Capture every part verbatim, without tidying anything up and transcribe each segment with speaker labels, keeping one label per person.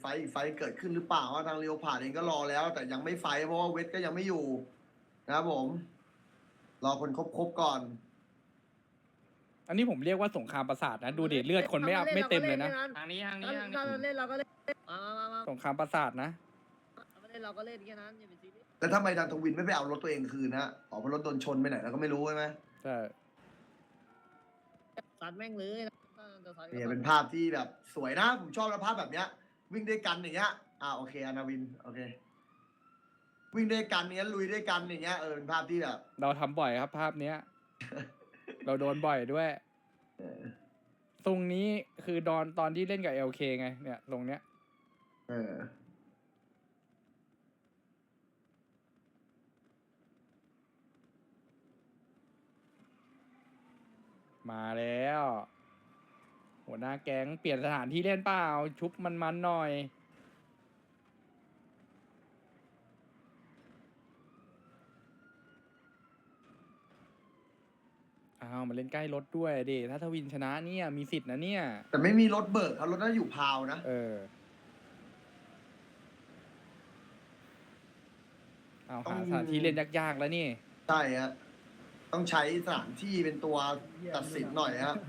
Speaker 1: อีกไฟเกิดขึ้นหรือเปล่าว่าทางเรียวผ่านเองก็รอแล้ว แต่ยังไม่ไฟเพราะว่าเวทก็ยังไม่อยู่นะครับผม รอคนครบๆก่อน
Speaker 2: อันนี้ผมเรียกว่าสงครามประสาทนะดูเด็ดเลือดคนไม่อัพไม่เต็มเลยนะ
Speaker 3: ทางนี้ทางนี้ทาง
Speaker 4: ถ้า
Speaker 3: นี้
Speaker 4: เราเล่นเราก็เล่นมามามา
Speaker 2: สงครามประสาทนะ
Speaker 4: เราเล่นเราก็เล่นแค่นั้นอย่าไปซีเรียส
Speaker 1: แล้วทำไมทางทวินไม่ไปเอารถตัวเองคืนนะอ๋อเพราะรถโดนชนไปไหนเราก็ไม่รู้ใช่ไหม
Speaker 2: ใช่
Speaker 4: ซัดแม่งเลยนะจะซัด
Speaker 1: เนี่ยเป็นภาพที่แบบสวยนะ ผมชอบนะภาพแบบเนี้ย วิ่งด้วยกันอย่างเงี้ยอ่าโอเคอนาวินโอเค วิ่งด้วยกันเนี้ยลุยด้วยกันอย่างเงี้ยเออเป็นภาพที่แบบ
Speaker 2: เราทำบ่อยครับภาพเนี้ย เราโดนบ่อยด้วย
Speaker 1: เออ
Speaker 2: ตรงนี้คือดอนตอนที่เล่นกับ เอล เค ไงเนี่ยตรงเนี้ย
Speaker 1: เออ
Speaker 2: มาแล้ว หัวหน้าแก๊งเปลี่ยนสถานที่เล่นเปล่าชุบมันๆหน่อยอ้าวมาเล่นใกล้รถด้วยดิถ้าทวินชนะเนี่ยมีสิทธิ์นะเนี่ย
Speaker 1: แต่ไม่มีรถเบิกครับรถน่าอยู่พาวนะ
Speaker 2: เออเอาหาสถานที่เล่นยากๆแล้วนี่
Speaker 1: ใช่ฮะต้องใช้สถานที่เป็นตัวตัดสินหน่อยฮะ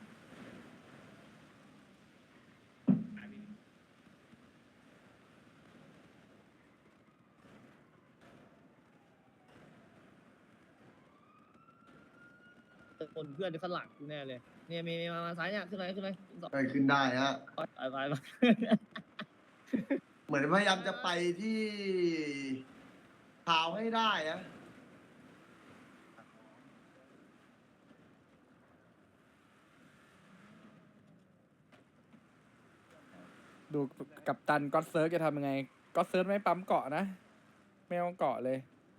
Speaker 4: คนเพื่อนที่ข้างหลังกูแน่เลยเนี่ยมีมีมามาซ้ายเนี่ยขึ้นเลยขึ้นเลยสอง
Speaker 1: ไปขึ้นได้ฮะ
Speaker 4: ไปไปไป
Speaker 1: เหมือนพยายามจะไปที่พาวให้ได้นะ
Speaker 2: ดูกับตันก็อตเซิร์ฟจะทำยังไงก็อตเซิร์ฟไม่ปั๊มเกาะนะไม่เอาเกาะเลย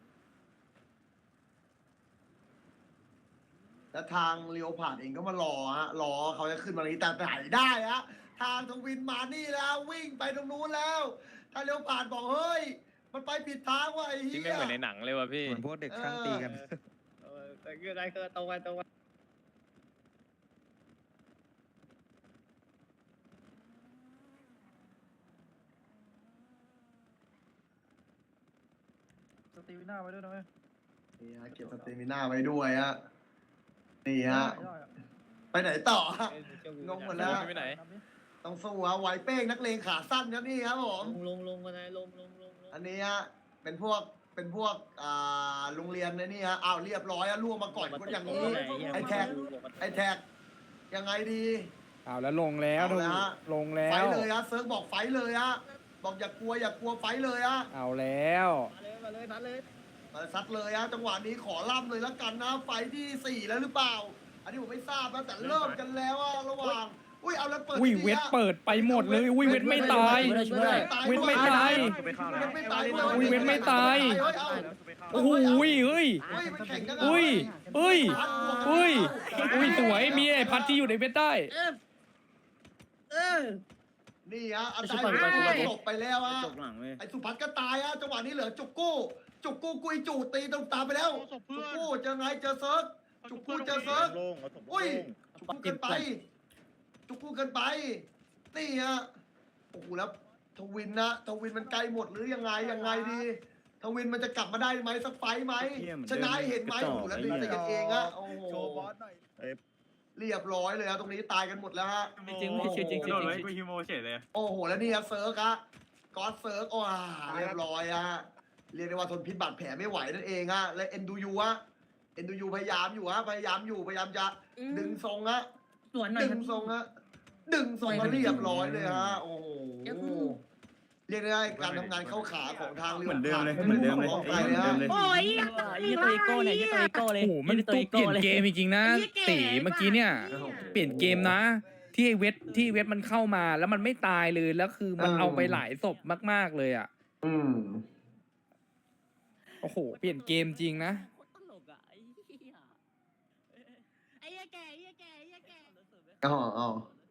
Speaker 1: แล้วทางเลียวผ่านเองก็มารอฮะรอเขาจะขึ้นมานี้แต่ไหนได้ฮะทางทวินมานี่แล้ววิ่งไปตรงนู้นแล้วถ้าเลียวผ่านบอกเฮ้ยมันไปผิดทางว่ะไอ้
Speaker 3: ที่
Speaker 1: เหี้
Speaker 3: ไม่
Speaker 1: ย
Speaker 3: เหมือนในหนังเลยว่ะพี่
Speaker 5: เหมือนพวกเด็กช่างตีกัน
Speaker 4: เออแต่คืออะไรคือตรงไปตรงไป
Speaker 5: สตีวิน่าไว้ด้วยนะเว้ย
Speaker 1: นี่ฮะเก็บสเตมิน่าไว้ด้วยฮะนี่ฮะไปไหนต่อฮะ งงหมดแล้ว
Speaker 3: ไปไหน
Speaker 1: ต้องสู้ฮะไหวเป้งนักเลงขาสั้นครับนี่ครับผม
Speaker 4: ลงลงลงมาไหนลงลงลงลง
Speaker 1: อันนี้ฮะเป็นพวกเป็นพวกอ่าโรงเรียนในนี่ฮะอ้าวเรียบร้อยอะล่วงมาก่อนคนอย่างนี้ ไอ้แท็ก ไอ้แท็กยังไงดี
Speaker 2: เอาแล้วลงแล้ว
Speaker 1: เอาแล้วฮะ
Speaker 2: ลงแล้
Speaker 1: ไฟ
Speaker 2: ว
Speaker 1: เลยฮะเซิร์ฟบอกไฟเลยฮะบอกอย่ากลัวอย่ากลัวไฟเลยฮะ
Speaker 2: เอาแล้ว
Speaker 4: มาเลยมาเลยมาเลย
Speaker 1: มาซัดเลยฮะจังหวะนี้ขอล่ำเลยแล้วกันนะไฟที่สี่แล้วหรือเปล่า อันนี้ผมไม่ทราบนะแต่เริ่มกันแล้วอะระหว่างอุ้ยเอาแล้วเปิด
Speaker 2: อุ้ย
Speaker 1: ที่
Speaker 2: เว
Speaker 1: นี่
Speaker 2: ท
Speaker 1: ฮะ
Speaker 2: เปิดไปหมดเลยอุ้ยเวทไม่ตาย
Speaker 4: ช่วยช่วย
Speaker 2: เว้นไม่ตาย
Speaker 1: เว้นไม่ตาย
Speaker 2: อุ้ยเว้นไม่ตาย
Speaker 1: เฮ้ยเอา
Speaker 2: โอ้โหเฮ้ยเฮ้ย
Speaker 1: เฮ้ยมันแข่งกัน
Speaker 2: อุ้ยเฮ้ยเฮ้ยอุ้ยสวยมีไอ้พัดที่อยู่ในเวทได้
Speaker 4: เออเออ
Speaker 1: นี่ฮะอา
Speaker 4: ชุ
Speaker 1: จา
Speaker 4: บ
Speaker 1: รย์
Speaker 4: ไปชุบไป
Speaker 1: หลบไปแล้วฮะ
Speaker 4: จบหลังเลย
Speaker 1: ไอ้สุพัฒน์ก็ตายฮะจังหวะนี้เหลือจุกกู้ จุกกู้กุยจูตีตรงตามไปแล้ว จุกกู้เจอไงเจอเซิร์ฟจุกกู้เจอเซิร์ฟ
Speaker 5: โล่งเอาถม
Speaker 1: อุ้ย
Speaker 5: โล่ง
Speaker 1: จุกกู้เกินไป จุกกู้เกินไป นี่ฮะ โอ้โหแล้วทวินนะทวินมันไกลหมดหรือยังไงยังไงดี ทวินมันจะกลับมาได้ไหมสักไฟต์ไหม ชนะให้เห็นไหมโอ้โหแล้วดึงจะกันเองฮะโอ้โห
Speaker 5: โชว์บอสหน่อยเอ้ย
Speaker 1: เรียบร้อยเลยฮะตรงนี้ตายกันหมดแล้วฮะ
Speaker 3: จริงไม่จริงจริงจริงกูฮิโมเฉยเลย
Speaker 1: โอ้โหแล้วนี่ฮะเซิร์กฮะก็อดเซิร์กโอ้าเรียบร้อยฮะเรียกได้ว่าทนพิษบาดแผลไม่ไหวนั่นเองฮะและเอ็นดูยูฮะเอ็นดูยูพยายามอยู่ฮะพยายามอยู่พยายามจะดึงทรงฮะ
Speaker 4: สวนหน่อย
Speaker 1: ดึงทรงฮะดึงทรงมาเรียบร้อยเลยฮะโอ้โหเรียกได้การทำงานเข้าขาของทางเรือ
Speaker 5: เหมือนเดิมเลย
Speaker 1: ผ่า
Speaker 5: เหมือนเดิมเลย
Speaker 1: ของ
Speaker 5: เห
Speaker 1: ไท
Speaker 5: มื
Speaker 1: ย
Speaker 5: อน
Speaker 1: เลย
Speaker 5: เดิ
Speaker 1: ฮะ
Speaker 5: มเลย
Speaker 4: โอ้ยยี่ตัวอีโก้เนี่ยยี่ตัวอีโก้เลย
Speaker 2: โอ้โหมันตุกเปลี่ยนเกมจริงๆนะตีเมื่อกี้เนี่ย เปลี่ยนเกมนะ ที่ไอ้เวทที่เวทมันเข้ามาแล้วมันไม่ตายเลยแล้วคือมันเอาไปหลายศพมากๆเลยอ่ะ
Speaker 1: อืม
Speaker 2: โอ้โหเปลี่ยนเกมจริงนะ
Speaker 4: ตลกอ่ะไอ้เหี้ยไอ้เหี้ยแก่ไอ้เหี้ยแก่ไอ้เหี้ยแก่
Speaker 1: อ๋ออ๋อ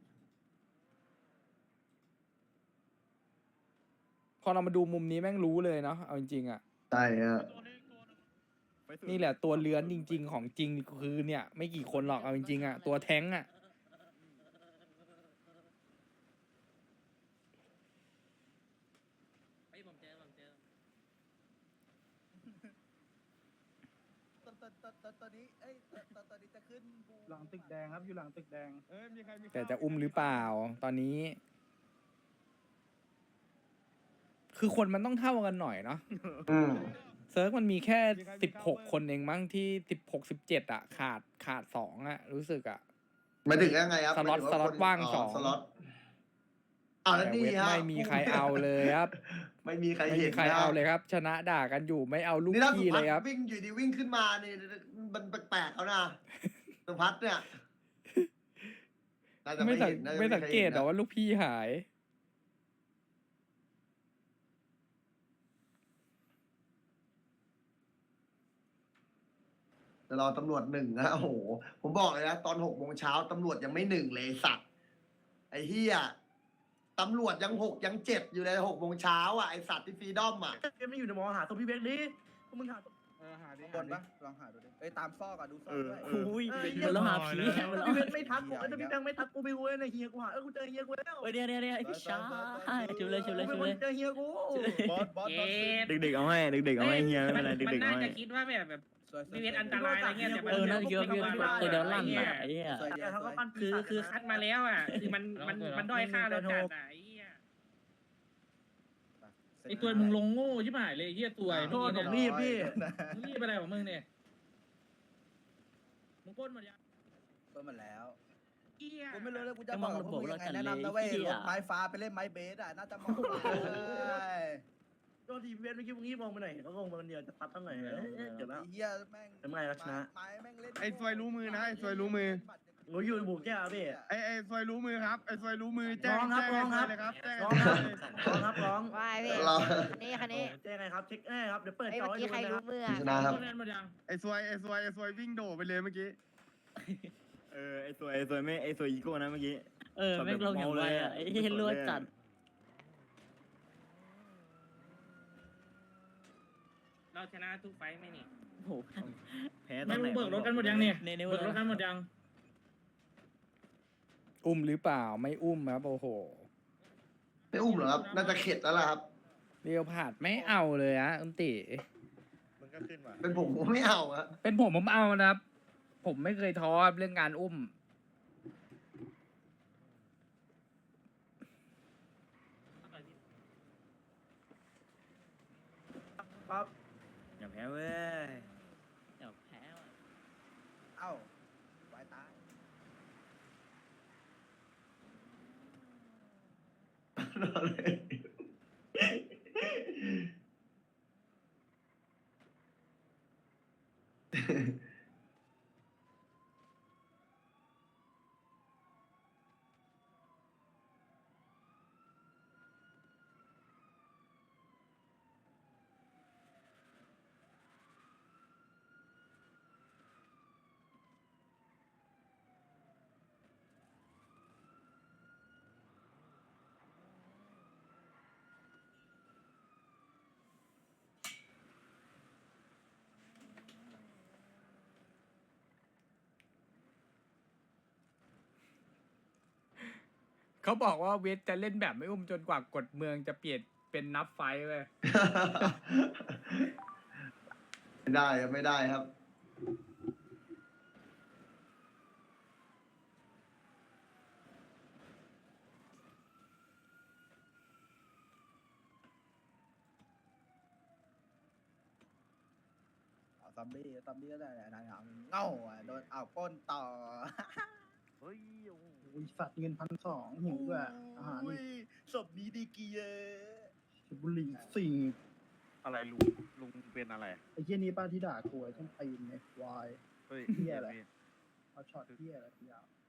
Speaker 2: พอเรามาดูมุมนี้แม่งรู้เลยเนาะเอาจริงๆอ่ะ
Speaker 1: ใช่ฮะ
Speaker 2: นี่แหละตัวเลื้อนจริง ๆ ของจริงคือเนี่ย ไม่กี่คนหรอกเอาจริงๆอ่ะตัวแท้งอ่ะ
Speaker 3: ผมเจอผมเจอ
Speaker 5: ตอนตอนตอนตอนตอนนี้เอ้ยตอนตอนตอนนี้จะขึ้นบู
Speaker 6: หลังตึกแดงครับอยู่หลังตึกแดง
Speaker 5: เอ้ยมีใครมี
Speaker 2: แต่จะอุ้มหรือเปล่า ตอนนี้ คือคนมันต้องเท่ากันหน่อยเนาะ
Speaker 1: อืม
Speaker 2: เซิร์ฟมันมีแค่สิบหกคนเองมั้งที่สิบหกสิบเจ็ดอะขาดขาดสองอะรู้สึกอะ
Speaker 1: หมายถึงยังไงครับ
Speaker 2: สล็อต
Speaker 1: หมยถึ
Speaker 2: สล็อต
Speaker 1: คน
Speaker 2: ว่างสอง
Speaker 1: สล็อตอ้าวแล้ว
Speaker 2: แต่
Speaker 1: นี่
Speaker 2: เวท
Speaker 1: ฮะ
Speaker 2: ไม่มีใครเอาเลยครับ
Speaker 1: ไม่มีใคร
Speaker 2: ไม่
Speaker 1: เห็
Speaker 2: มี
Speaker 1: น
Speaker 2: ใคร
Speaker 1: นะ
Speaker 2: เอาเลยครับ ชนะด่ากันอยู่ไม่เอาลูก
Speaker 1: นี่ถ้าสุ
Speaker 2: พี่
Speaker 1: พั
Speaker 2: เล
Speaker 1: ฒ
Speaker 2: ยครับ
Speaker 1: น์วิ่งอยู่ดีวิ่งขึ้นมานี่มันแปลกๆแล้วนะสุพัฒน์เนี่ยน่าจะ
Speaker 2: ไม่
Speaker 1: ไม่
Speaker 2: สัง
Speaker 1: เห็นน่าจะ
Speaker 2: ไม่
Speaker 1: ใคร
Speaker 2: สังเกต
Speaker 1: ห็น
Speaker 2: หรอว่าลูกพี่หาย
Speaker 1: แต่รอตำรวจหนึ่งนะโอ้โห ผมบอกเลยนะตอนหกโมงเช้าตำรวจยังไม่หนึ่งเลยไอ้สัตว์ไอ้เฮียตำรวจยังหกยังเจ็ดอยู่เลยหกโมงเช้าอ่ะไอสัตว์ที่ฟรีดอมอ่ะ
Speaker 4: เกมไม่อยู่ในมองหาตัวพี่เบกดิพวกมึงหา
Speaker 6: เออหาดิ
Speaker 5: บนปะลองหาดูดิเอ้ยตามซอกอะดูซอกด้วย
Speaker 4: อุ้ย
Speaker 7: เดี๋ยวเราหาผี
Speaker 4: พี่เบกไม่ทักกูไอ้พี่แบงไม่ทักกูไปเว้ยในเฮียกูหาเออกูเจอเฮียกูแล้ว
Speaker 7: เฮ้ยเดี๋ยวเดี๋ยวเดี๋ยวไอ้พี่ชายจุบเลยจุบเลยจุบเลย
Speaker 4: เจอเฮียกู
Speaker 5: บอสบอสบอส
Speaker 3: เด็กๆเอาให้เด็กๆเอาให้เฮียไม่เป็นไร
Speaker 8: มัน
Speaker 3: เด็กๆ
Speaker 8: น่า
Speaker 3: เอาให้
Speaker 8: จะคิดว่าแบบแบบ
Speaker 5: สวยๆ
Speaker 8: ไม่เป็นอันตรายอะไรเงี้ยแต่มัน
Speaker 7: เออน่าจะคิดว่าพี่ตัวเดียวลั่นอ่ะไอ้เหี้ย
Speaker 5: สวยเดียว
Speaker 4: เขา
Speaker 5: ส
Speaker 4: ก็
Speaker 5: วย
Speaker 4: ปั้น
Speaker 8: คือคือคัดมาแล้วอ่ะคือมันมันมันด้อยค่าเราจัดอ่ะไอ้เหี้ย
Speaker 5: เสร็จ
Speaker 8: ไอตัวมึงลงโง่ใช่ไหมเลยไอ้เหี้ยตัวไอ้
Speaker 4: โทษผม
Speaker 8: นี่
Speaker 4: รีบพี่
Speaker 8: มึงรีบอะไรของมึงเนี่ยมึงก้นหมดยัง
Speaker 5: เปิดมาแล้ว
Speaker 8: เหี้ย
Speaker 5: กูไม่รู้เลยกูจะบอกพวกมึงยังไงแนะนำนะเว้ยรถไม้ฟ้าไปเล่นไม้เบสอ่ะน่าจะเหมาะกว่าเลย
Speaker 4: โดนทีเบกเมื่อกี้มึงงี้มองไปหน่อยเขางงมาคนเดียวจะปัดตั้งไหนเดี๋ยวแล้ว
Speaker 5: ไอ้เหี้ยแม่ง
Speaker 4: ทำไงล่ะชนะ
Speaker 5: ไม้แม่งเล่น
Speaker 9: ไอ้ซวยรู้มือนะไอ้ซวยรู้มือ
Speaker 4: โอ้ยอยู่บุกแก้วพี่
Speaker 9: ไอ้ไอ้ซวยรู้มือครับไอ้ซวยรู้มือแจ้ง
Speaker 4: ร้องครับ
Speaker 9: แจ้
Speaker 4: ร้องครับ
Speaker 9: เลยครับแจ้ง
Speaker 4: ร้องครับร้องครับร้อง
Speaker 10: วายพี่
Speaker 1: เรา
Speaker 10: คันนี้คันนี้
Speaker 4: เจ๊ไงครับเช็คแน่ครับเดี๋ยวเปิด
Speaker 10: ไอ้ย
Speaker 4: จอ
Speaker 10: เมื่อ
Speaker 4: ให้
Speaker 10: กี้
Speaker 4: ดู
Speaker 10: ใคร
Speaker 4: นะค
Speaker 10: รู้
Speaker 4: รับ
Speaker 10: มือ
Speaker 1: ชนะครับ
Speaker 8: ก้นเล่นหมดยัง
Speaker 9: ไอ้ซวยไอ้ซวยไอ้ซวยวิ่งโดดไปเลยเมื่อกี้
Speaker 3: เออไอ้สวยไอ้สวยไม่ไอ้สวยอีโก้นะเมื่อกี้
Speaker 7: เออแม่งลงอย่างไรอ่ะไอ้เหี้ยรวยจัด
Speaker 8: เราชนะทุกไฟท์ไหมนี่
Speaker 7: โอ้โห
Speaker 3: แพ้ตอ
Speaker 8: ไม่
Speaker 3: นไหน
Speaker 8: เบิกรถกันหมดยังเนี่ย
Speaker 7: ในใน
Speaker 8: เบิกรถกันหมดยัง
Speaker 2: อุ้มหรือเปล่าไม่อุ้มครับโอ้โห
Speaker 1: ไม่อุ้มเหรอครับ น่าจะเข็ดแล้วล่ะครับ
Speaker 2: เรียวผาดไม่เอาเลยอะอุนติ
Speaker 5: มันก็ขึ้นว่ะ
Speaker 1: เป็นผมผมไม่เอาอะ
Speaker 2: เป็นผมผมเอานะครับ ผมไม่เคยท้อเรื่องการอุ้ม
Speaker 4: ครับ
Speaker 3: อย่าแพ้เว้ย
Speaker 7: เดี๋ยวแพ้ว่ะ
Speaker 5: เอ้าไว้ตาย
Speaker 1: รอเลย
Speaker 2: เขาบอกว่าเวทจะเล่นแบบไม่อุ้มจนกว่ากฎเมืองจะเปลี่ยนเป็นนับไฟท์เลย
Speaker 1: ไม่ได้ครับไม่ได้ครับ
Speaker 5: เอาซอมบี้ซอมบี้ก็ได้แหละนายเอาเง่าอ่ะโดนเอาก้นต่อ
Speaker 6: โอ้ยสัตว์เงินพันสองหิวด้วยอาหาร
Speaker 5: อุ้
Speaker 6: อี
Speaker 5: ย
Speaker 6: ก
Speaker 5: ศพนี้ดีกี่เยอะ
Speaker 6: สูบบุหรี่สี่
Speaker 3: อะไรลุงลุงเป็นอะไร
Speaker 6: ไอ้เหี้ยนี้ป้าที่ด่ากูไอ้ต้นตีนไอ้ควาย
Speaker 3: เฮ้ย
Speaker 6: เหี้ยอะไร เอาช็อตเหี้ยอะไรยาว